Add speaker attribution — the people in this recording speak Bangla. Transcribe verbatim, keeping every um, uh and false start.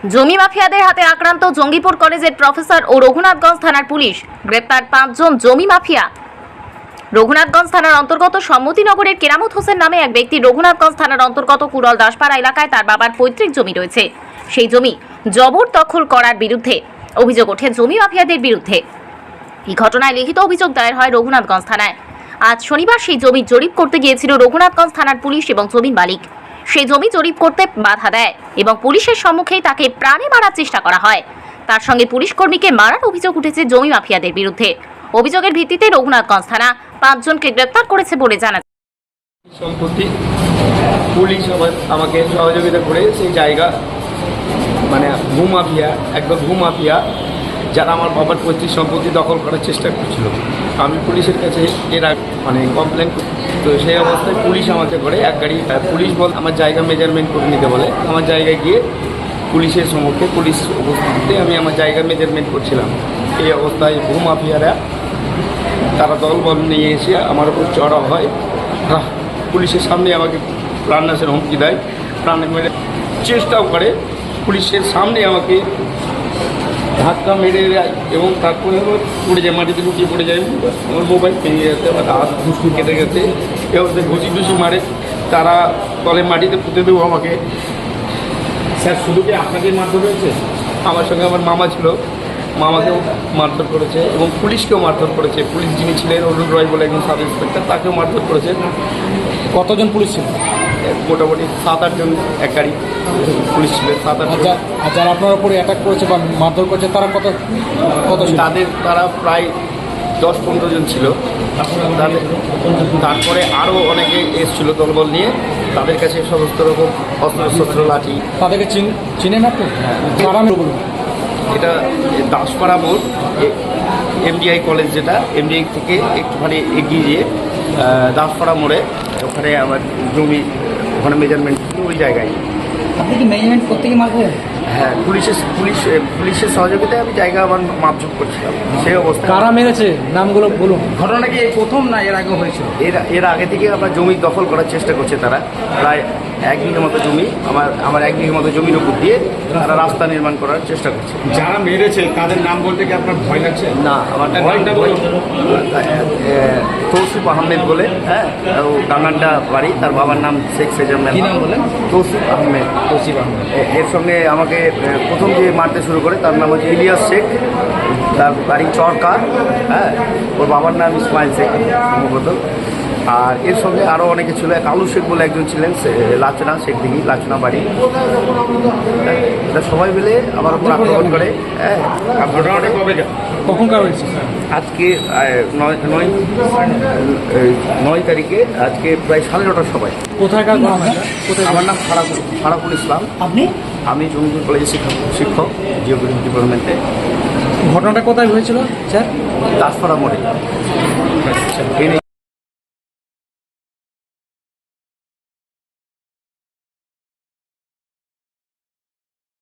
Speaker 1: জমি মাফিয়াদের হাতে আক্রান্ত জঙ্গিপুর কলেজের প্রফেসর ও রঘুনাথগঞ্জ থানার পুলিশ। গ্রেপ্তার পাঁচজন জমি মাফিয়া। রঘুনাথগঞ্জ থানার অন্তর্গত সম্মতিনগরের কেরামত হোসেন নামে এক ব্যক্তি রঘুনাথগঞ্জ থানার অন্তর্গত কুড়ল দাসপাড়া এলাকায় তার বাবার পৈতৃক জমি রয়েছে। সেই জমি জবরদখল করার বিরুদ্ধে অভিযোগ ওঠে জমি মাফিয়াদের বিরুদ্ধে। এই ঘটনায় লিখিত অভিযোগ দায়ের হয় রঘুনাথগঞ্জ থানায়। আজ শনিবার সেই জমি জরিপ করতে গিয়েছিল রঘুনাথগঞ্জ থানার পুলিশ এবং জমির মালিক। সেই জমি জরিপ করতে বাধা দেয় এবং পুলিশের সম্মুখেই তাকে প্রাণে মারার চেষ্টা করা হয়। তার সঙ্গে পুলিশ কর্মীকে মারার অভিযোগ উঠেছে জমি মাফিয়াদের বিরুদ্ধে। অভিযোগের ভিত্তিতে রঘুনাথগঞ্জ থানা পাঁচজনকে গ্রেপ্তার করেছে বলে জানা যায়।
Speaker 2: সম্পত্তি পুলিশ আমাকে সহযোগিতা করে সেই জায়গা মানে ভূমাফিয়া একদম ভূমাফিয়া যারা আমার বাবার পৈতৃক সম্পত্তি দখল করার চেষ্টা করছিল। আমি পুলিশের কাছে এর মানে কমপ্লেন তো সেই অবস্থায় পুলিশ আমাকে করে এক গাড়ি পুলিশ বল আমার জায়গা মেজারমেন্ট করে নিতে বলে। আমার জায়গায় গিয়ে পুলিশের সম্মুখে পুলিশ উপস্থিতিতে আমি আমার জায়গা মেজারমেন্ট করছিলাম। এই অবস্থায় ভূমাফিয়ারা তারা দলবল নিয়ে এসে আমার উপর চড়া হয়। পুলিশের সামনে আমাকে প্রাণনাশের হুমকি দেয়, প্রাণ মেরে চেষ্টাও করে। পুলিশের সামনে আমাকে ধাক্কা মেরে দেয় এবং তারপরে পড়ে যায়, মাটিতে লুকিয়ে পড়ে যায়। আমার মোবাইল ভেঙে গেছে, আমার হাত ঘুষি কেটে গেছে। এবার ঘুষি ঘুষি মারে, তারা তলে মাটিতে পুঁতে দেবো আমাকে।
Speaker 3: স্যার শুধু কি আপনাদের মারধর হয়েছে?
Speaker 2: আমার সঙ্গে আমার মামা ছিল, মামাকেও মারধর করেছে এবং পুলিশকেও মারধর করেছে। পুলিশ যিনি ছিলেন অরুণ রয় বলে একজন সাব ইন্সপেক্টর, তাকেও মারধর করেছে।
Speaker 3: কতজন পুলিশ ছিল?
Speaker 2: মোটামুটি সাত আটজন এক গাড়ি পুলিশ ছিলেন, সাত আটজন।
Speaker 3: আর যারা আপনার উপরে অ্যাটাক করেছে বা মারধর করেছে তারা কত কত
Speaker 2: তাদের তারা প্রায় দশ পনেরো জন ছিল। তাদের তারপরে আরও অনেকে এসেছিল দলবল নিয়ে, তাদের কাছে সমস্ত রকম অস্ত্র শস্ত্র লাঠি।
Speaker 3: তাদেরকে চিনেন আপনি? বলুন।
Speaker 2: এটা দাসপাড়া মোড়, এমডিআই কলেজ, যেটা এমডিআই থেকে একটুখানি এগিয়ে গিয়ে দাসপাড়া মোড়ে ওখানে আমার জমি, ওখানে মেজারমেন্ট ওই জায়গায়।
Speaker 4: আপনি কি মেজারমেন্ট করতে গিয়ে মারতে?
Speaker 2: হ্যাঁ, পুলিশের পুলিশ পুলিশের সহযোগিতায় আমি জায়গা আমার মাপঝোপ করছিলাম। সেই অবস্থা
Speaker 3: কারা মেরেছে নামগুলো বলুন।
Speaker 4: ঘটনা কি এই প্রথম না এর আগে হয়েছিল?
Speaker 2: এর এর আগে থেকে আমরা জমি দখল করার চেষ্টা করছে তারা। প্রায় এক বিঘে মতো জমি, আমার আমার এক বিঘে মতো জমির উপর দিয়ে তারা রাস্তা নির্মাণ করার চেষ্টা করছে।
Speaker 3: যারা মেরেছে তাদের নাম বলতে কি আপনার ভয় লাগছে?
Speaker 2: না, আমার
Speaker 3: নামটা বলুন।
Speaker 2: তৌসিফ আহমেদ বলে, হ্যাঁ, ও ডাঙ্গান্ডা বাড়ি। তার বাবার নাম শেখ সেজামেল।
Speaker 4: কি নাম বলেন?
Speaker 2: তৌসিফ আহমেদ।
Speaker 4: তৌসিফ আহমেদ।
Speaker 2: এর সঙ্গে আমাকে প্রথম যে মারতে শুরু করে তার নাম হচ্ছে ইলিয়াস শেখ, তার বাড়ি চরকা। হ্যাঁ, ওর বাবার নাম ইসমাইল শেখ সম্ভবত। আর এর সঙ্গে আরও অনেকে ছিল। এক আলু শেখ বলে একজন ছিলেন, লাচনা শেখ দিঘি, লাচনা বাড়ি। এটা সবাই মিলে আমার উপর আক্রমণ করে। হ্যাঁ,
Speaker 3: ঘটনাটা কবে কখনকার হয়েছে?
Speaker 2: আজকে নয় নয় নয় তারিখে, আজকে প্রায় সাড়ে নটার সময়।
Speaker 3: কোথায়কার ঘটনা? কোথায়?
Speaker 2: আমার নাম ফারাকুল ফারাকুল ইসলাম।
Speaker 4: আপনি?
Speaker 2: আমি জঙ্গিপুর কলেজের শিক্ষক শিক্ষক জিওগ্রাফি ডিপার্টমেন্টে।
Speaker 3: ঘটনাটা কোথায় হয়েছিল স্যার?
Speaker 2: দাসপাড়া মোড়ে।